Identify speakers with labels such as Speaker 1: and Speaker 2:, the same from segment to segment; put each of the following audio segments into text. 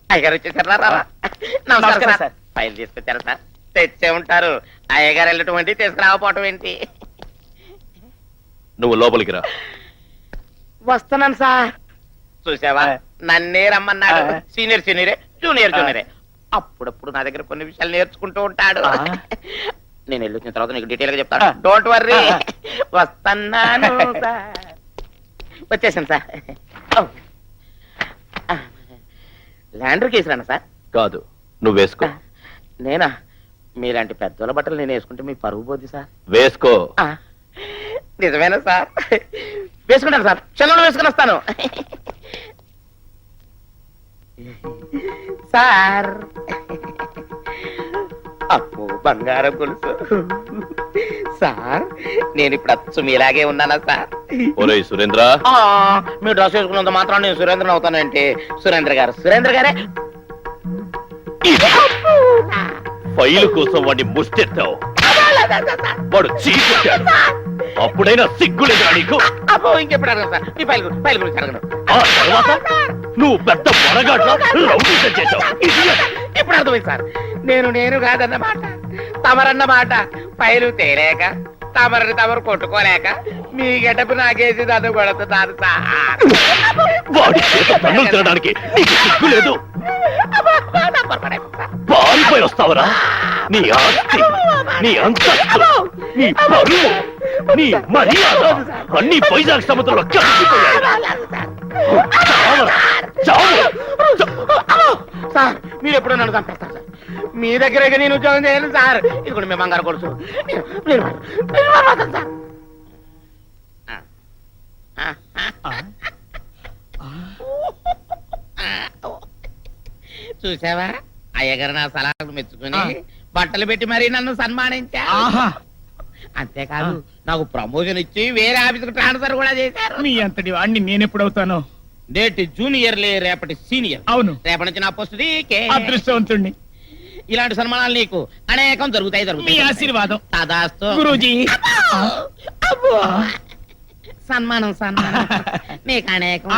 Speaker 1: అయ్యగారు వచ్చేసారా? నమస్కారం సార్. ఫైల్ తీసుకొచ్చారా సార్? తెచ్చే ఉంటారు. అయ్యగారు వెళ్ళటం ఏంటి, తీసుకురాకపోవటం ఏంటి?
Speaker 2: నువ్వు లోపలికి రా.
Speaker 1: వస్తున్నాను సార్. చూసావా, నన్నే రమ్మన్నాడు. సీనియర్ సీనియరే, జూనియర్ జూనియరే. అప్పుడప్పుడు నా దగ్గర కొన్ని విషయాలు నేర్చుకుంటూ ఉంటాడు. నేను వెళ్ళొచ్చిన తర్వాత నీకు డీటెయిల్ గా చెప్తాను. Don't worry. వస్తున్నాను సార్. వచ్చేసాను సార్. ల్యాండర్ కేసురానా సార్?
Speaker 2: కాదు, నువ్వు వేసుకో.
Speaker 1: నేనా? మీలాంటి పెద్దోళ్ళ బట్టలు నేను వేసుకుంటే మీ పరువు పోద్ది సార్.
Speaker 2: వేసుకో.
Speaker 1: నిజమేనా సార్? వేసుకుంటాను సార్. క్షణంలో వేసుకుని వస్తాను సార్. అప్పు బంగారం గొలుసు సార్. నేను ఇప్పుడు అచ్చు మీలాగే ఉన్నానా సార్?
Speaker 2: ఒరేయ్ సురేంద్ర,
Speaker 1: మీరు డ్రెస్ వేసుకున్నంత మాత్రం నేను సురేంద్రని అవుతానంటే. సురేంద్ర గారే
Speaker 2: ఫైలు కోసం వాడిని ముష్టెత్తావు. వాడు చీకొచ్చాడు. అప్పుడైనా సిగ్గులేదా నీకు?
Speaker 1: అబ్బో, ఇంకెప్పుడు అడగను సార్. మీ ఫైల్ గురించి అడగను.
Speaker 2: ఆ తర్వాత నువ్వు పెద్ద మొరగాట్లా రౌడీసం చేశావు.
Speaker 1: ఇప్పుడు అర్థమైంది సార్. నేను కాదన్నమాట, తమరన్నమాట. ఫైలు తేలేక, తమరు కొట్టుకోలేక మీ గెటపు నాకేసి నన్ను కొడుతున్నారు సార్.
Speaker 2: వాడి చేత పన్నులు తినడానికి నీకు సిగ్గు లేదు? పారిపోయి వస్తావరా? నీ ఆస్తి, నీ అంతస్తు, నీ పరువు, నీ మర్యాద అన్ని వైజాగ్ సముద్రంలో కలిసిపోయాయి.
Speaker 1: సార్, మీరు ఎప్పుడో నన్ను చంపేస్తారు సార్. మీ దగ్గర నేను ఉద్యోగం చేయను సార్. ఇది కూడా మీ బంగారు కొడుచు. చూసావా, అయ్యగారు నా సలహాలు మెచ్చుకుని బట్టలు పెట్టి మరీ నన్ను సన్మానించా. అంతేకాదు, నాకు ప్రమోషన్ ఇచ్చి వేరే ఆఫీసుకు ట్రాన్స్ఫర్ కూడా చేశారు.
Speaker 3: మీ అంతటి వాడిని నేనెప్పుడవుతాను?
Speaker 1: నేటి జూనియర్లే, రేపటి సీనియర్.
Speaker 3: అవును,
Speaker 1: రేపటి నుంచి నా పోస్ట్ నీకే.
Speaker 3: అదృష్టవంతుణ్ణి.
Speaker 1: ఇలాంటి సన్మానాలు నీకు అనేకం జరుగుతాయి.
Speaker 3: మీ ఆశీర్వాదం.
Speaker 1: తదాస్తు
Speaker 3: గురూజీ.
Speaker 1: సన్మానం నీకు అనేకం.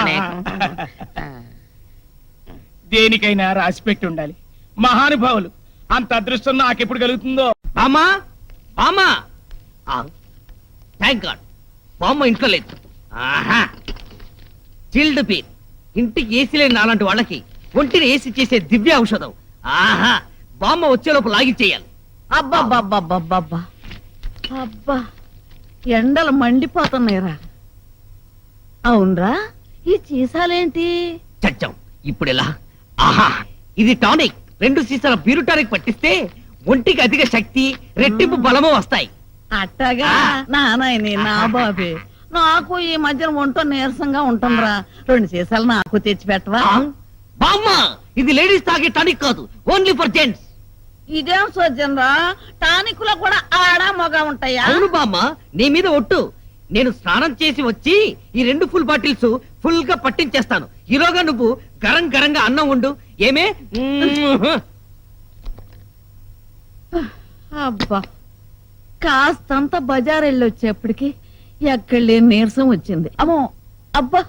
Speaker 3: దేనికైనా రాసి పెట్టి ఉండాలి. మహానుభావులు, అంత అదృష్టం నాకెప్పుడు కలుగుతుందో.
Speaker 4: బామ్మా, బామ్మా, థ్యాంక్ గాడ్, బామ్మ ఇంట్లో లేదు. చిల్డ్ పీర్, ఇంటికి ఏసీ లేని నాలాంటి వాళ్ళకి ఒంటిని ఏసీ చేసే దివ్య ఔషధం. ఆహా, బామ్మ వచ్చేలోపు లాగిచ్చేయాలి.
Speaker 5: అబ్బా అబ్బా, ఎండలు మండిపోతున్నాయిరా. అవునరా, ఈ చీసాలేంటి?
Speaker 4: చచ్చాం, ఇప్పుడెలా? ఆహా, ఇది టానిక్. 2 సీసాల బీరు టానిక్ పట్టిస్తే ఒంటికి అధిక శక్తి, రెట్టింపు బలము వస్తాయి.
Speaker 5: అట్టగా నానాయని, నా బాబే, నాకు ఈ మధ్యన ఒంటో నీరసంగా ఉంటుందిరా. 2 సీసాలు నాకు తెచ్చి పెట్టవా?
Speaker 4: బామ్మ, ఇది లేడీస్ తాగే టానిక్ కాదు, ఓన్లీ ఫర్ జెంట్స్.
Speaker 5: ఇదేం సోజన్ రా, టానిక్లో కూడా ఆడ మగ ఉంటాయా?
Speaker 4: అవును బామ్మ, నీ మీద ఒట్టు. నేను స్నానం చేసి వచ్చి ఈ 2 ఫుల్ బాటిల్స్ ఫుల్ గా పట్టించేస్తాను. ఈలోగా నువ్వు గరం గరంగా అన్నం ఉండు. ఏమే?
Speaker 5: అబ్బా, కాస్తంత బజార్ వెళ్ళొచ్చేప్పటికి ఎక్కడ లేని నీరసం వచ్చింది. అమ్మో, అబ్బా,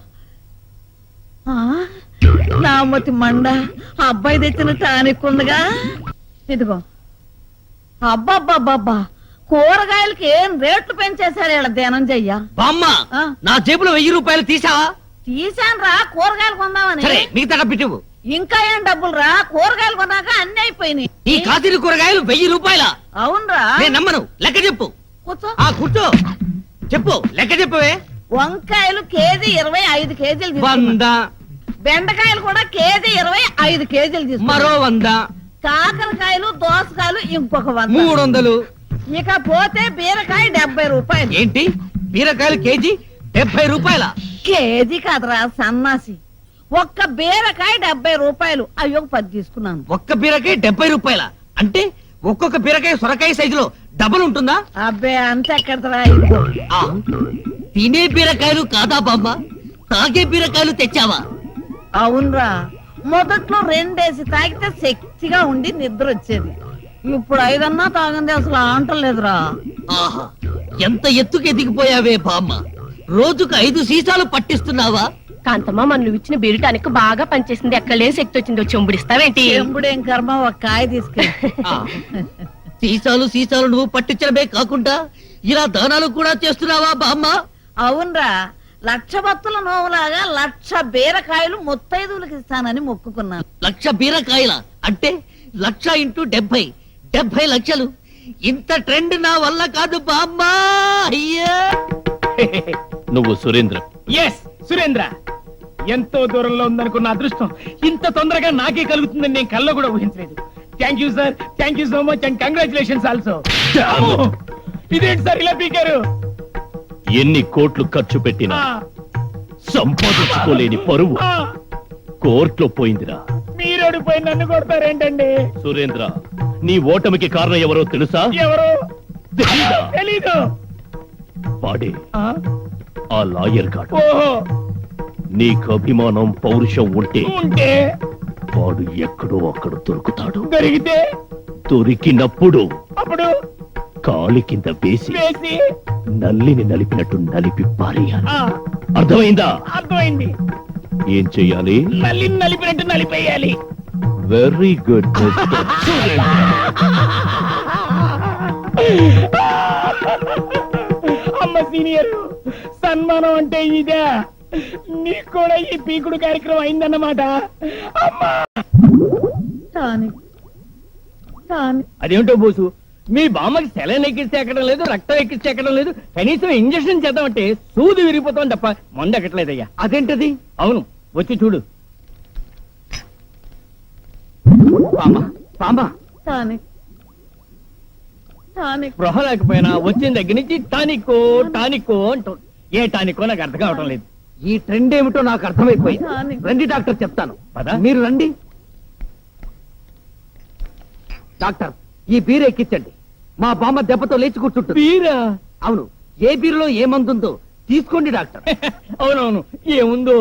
Speaker 5: నామతి మండ. ఆ అబ్బాయి తెచ్చిన టానిక్ ఉందిగా, ఇదిగో. అబ్బాబ్బాబ్బా, కూరగాయలకి ఏం రేట్లు పెంచేశారు ఇలా ధనంజయ్య.
Speaker 4: బామ్మ, నా జేబులో 1000 రూపాయలు తీసావా?
Speaker 5: తీసాను రా, కూరగాయలు కొందామని.
Speaker 4: సరే, మిగతా డబ్బు.
Speaker 5: ఇంకా ఏం డబ్బులు రా, కూరగాయలు కొన్నాక అన్ని అయిపోయినాయి.
Speaker 4: ఈ కాసిన కూరగాయలు 1000 రూపాయల?
Speaker 5: అవునరా.
Speaker 4: నేను నమ్మను, లెక్క చెప్పు.
Speaker 5: కూర్చో.
Speaker 4: కూర్చో, చెప్పు, లెక్క చెప్పవే.
Speaker 5: వంకాయలు కేజీ 25 కేజీలు.
Speaker 4: 100.
Speaker 5: బెండకాయలు కూడా కేజీ 25 కేజీలు తీసుకు.
Speaker 4: మరో 100.
Speaker 5: కాకరకాయలు, దోసకాయలు ఇంకొక 100.
Speaker 4: 300.
Speaker 5: ఇక పోతే బీరకాయ 70 రూపాయలు.
Speaker 4: ఏంటి, బీరకాయలు కేజీ 70 రూపాయల?
Speaker 5: కేజీ కాదురా సన్నాసి, ఒక్క బీరకాయ 70 రూపాయలు. అయ్యో 10 తీసుకున్నాను.
Speaker 4: ఒక్క బీరకాయ 70 రూపాయల? అంటే ఒక్కొక్క బీరకాయ సొరకాయ సైజులో డబుల్ ఉంటుందా?
Speaker 5: అబ్బే, అంతెక్కడరా.
Speaker 4: తినే బీరకాయలు కాదా బామ్మ, తాగే బీరకాయలు తెచ్చావా?
Speaker 5: అవునరా, మొదట్లో 2 వేసి తాగితే శక్తిగా ఉండి నిద్ర వచ్చేది. ఇప్పుడు 5 అన్నా తాగంది అసలు అంటలేదురా.
Speaker 4: ఆహా, ఎంత ఎత్తుకు ఎదిగిపోయావే బామ్మ. రోజుకు 5 సీసాలు పట్టిస్తున్నావా?
Speaker 6: కాంతమ్మ మన నువ్వు ఇచ్చిన బీరుటానికి బాగా పనిచేసింది. ఎక్కడ శక్తి వచ్చిందో చెంబుడిస్తావేంటి?
Speaker 5: చెంబుడేం కర్మ, ఒక కాయ తీసుకెళ్ళి.
Speaker 4: సీసాలు సీసాలు నువ్వు పట్టించడమే కాకుండా ఇలా దానాలు కూడా చేస్తున్నావా బామ్మ?
Speaker 5: అవునరా, 1,00,000 భక్తుల నోవులాగా 1,00,000 బీరకాయలు ముత్తైదువులకు ఇస్తానని మొక్కుకున్నాను.
Speaker 4: 1,00,000 బీరకాయల అంటే 1,00,000 ఇంటూ 70 లక్షలు. ఇంత ట్రెండ్ నా వల్ల కాదు బామ్మ. అయ్యా
Speaker 2: నువ్వు సురేంద్ర.
Speaker 3: ఎస్ సురేంద్ర, ఎంతో దూరంలో ఉందనుకున్న అదృష్టం ఇంత తొందరగా నాకే కలుగుతుందని నేను కల్లో కూడా ఊహించలేదు. Thank you sir, thank you so much and congratulations also. ఇదేంటి సార్ ఇలా పీకారు?
Speaker 2: ఎన్ని కోట్లు ఖర్చు పెట్టినా సంపాదించుకోలేని పరువు కోర్టులో పోయిందిరా.
Speaker 3: మీరు ఓడిపోయి నన్ను కొడతారేంటండి?
Speaker 2: సురేంద్ర, నీ ఓటమికి కారణం ఎవరో తెలుసా?
Speaker 3: ఎవరు?
Speaker 2: తెలీదా?
Speaker 3: తెలీదు.
Speaker 2: వాడే
Speaker 3: ఆ?
Speaker 2: ఆ లాయర్ గాడు.
Speaker 3: ఓహో,
Speaker 2: నీకు అభిమానం పౌరుషం ఉంటే
Speaker 3: ఉంటే
Speaker 2: వాడు ఎక్కడో అక్కడ దొరుకుతాడు.
Speaker 3: దొరికితే
Speaker 2: దొరికినప్పుడు
Speaker 3: అప్పుడు
Speaker 2: కాలి కింద వేసి
Speaker 3: వేసి
Speaker 2: నల్లిని నలిపినట్టు నలిపి పారేయాలి.
Speaker 3: ఆ,
Speaker 2: అర్థమైందా?
Speaker 3: అర్థమైంది.
Speaker 2: ఏం చెయ్యాలి?
Speaker 3: నల్లిని నలిపినట్టు నలిపేయాలి.
Speaker 2: Very good mister Surendra.
Speaker 3: అమ్మ సీనియర్, సన్మానం అంటే ఇదే. నీకు కూడా ఈ పీకుడు కార్యక్రమం అయిందన్నమాట. అమ్మా
Speaker 5: టానిక్, టానిక్.
Speaker 3: అదేంటో బోసు, మీ బామ్మకి సెలైన్ ఎక్కిస్తే ఎక్కడం లేదు, రక్తం ఎక్కిస్తే ఎక్కడం లేదు, కనీసం ఇంజక్షన్ చేద్దామంటే సూది విరిగిపోతాం తప్ప మందు ఎక్కట్లేదయ్యా.
Speaker 4: అదేంటది?
Speaker 3: అవును, వచ్చి చూడు.
Speaker 4: బామ్మ
Speaker 5: టానిక్, టానిక్.
Speaker 3: స్పృహ లేకపోయినా వచ్చిన దగ్గర నుంచి టానిక్కో టానిక్కో అంటూ ఏ టానిక్కో నాకు అర్థం కావటం లేదు.
Speaker 4: ఈ ట్రెండ్ ఏమిటో నాకు అర్థమైపోయింది.
Speaker 5: టానిక్.
Speaker 4: రండి డాక్టర్, చెప్తాను.
Speaker 3: పద.
Speaker 4: మీరు రండి డాక్టర్. ఈ బీర ఎక్కించండి. మా బామ్మ దెబ్బతో లేచి కూర్చుంటుంది.
Speaker 3: వీరా?
Speaker 4: అవును, ఏ బీరులో ఏ మందుందో తీసుకోండి డాక్టర్.
Speaker 3: అవునవును, ఏముందో.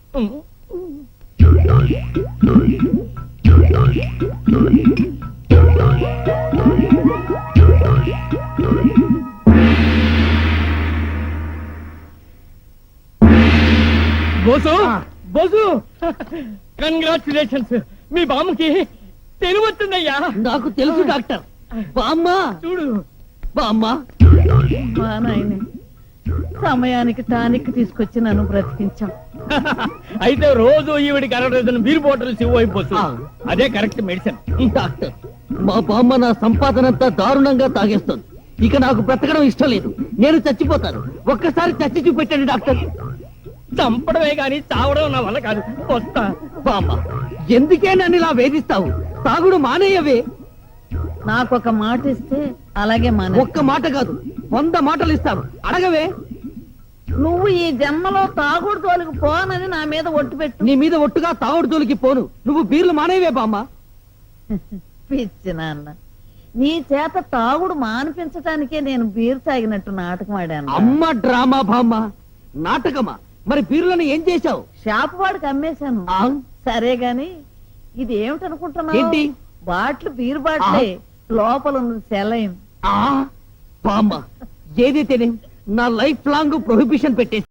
Speaker 3: Boss, boss, congratulations. మీ బామ్మకి తెలివచ్చిందయ్యా.
Speaker 4: నాకు తెలుసు డాక్టర్. బామ్మ,
Speaker 3: చూడు.
Speaker 4: బామ్మ.
Speaker 5: మా నాయనే, సమయానికి టానిక్ తీసుకొచ్చి నన్ను బ్రతికించాం.
Speaker 3: అయితే రోజు ఈవిడికి 60 బీర్ బాటిల్స్ ఇవ్వైపోతు.
Speaker 4: ఆ.
Speaker 3: అదే కరెక్ట్ మెడిసిన్.
Speaker 4: డాక్టర్, మా బామ్మ నా సంపాదనంతా దారుణంగా తాగేస్తుంది. ఇక నాకు బ్రతకడం ఇష్టం లేదు. నేను చచ్చిపోతాను. ఒక్కసారి చచ్చి చూపెట్టండి డాక్టర్.
Speaker 3: చంపడమే గాని చావడం నా వల్ల కాదు. వస్తా.
Speaker 4: బామ్మ, ఎందుకే నన్ను ఇలా వేధిస్తావు? తాగుడు మానేయవే.
Speaker 5: నాకొక మాట ఇస్తే అలాగే మానే.
Speaker 4: ఒక్క మాట కాదు, 100 మాటలు ఇస్తాను. అడగవే.
Speaker 5: నువ్వు ఈ జన్మలో తాగుడు తోలికి పోనని నా మీద ఒట్టు పెట్టు.
Speaker 4: నీ మీద ఒట్టుగా తాగుడు జోలికి పోను. నువ్వు బీర్లు మానేవే బామ్మ.
Speaker 5: పిచ్చి నాన్న, నీ చేత తాగుడు మానిపించటానికే నేను బీరు తాగినట్టు నాటకం ఆడాను.
Speaker 4: అమ్మ డ్రామా బామ్మ. నాటకమా? మరి బీర్లను ఏం చేశావు?
Speaker 5: షాపు వాడికి అమ్మేశాను.
Speaker 4: ఆ?
Speaker 5: సరే గాని ఇది ఏమిటనుకుంటున్నావు?
Speaker 4: ఏంటి?
Speaker 5: బాటిల్ బీరు బాటిలే, లోపల ఉన్నది సెలైన్.
Speaker 4: బామ్మ, ఏదైతేనే నా లైఫ్ లాంగ్ ప్రొహిబిషన్ పెట్టేసి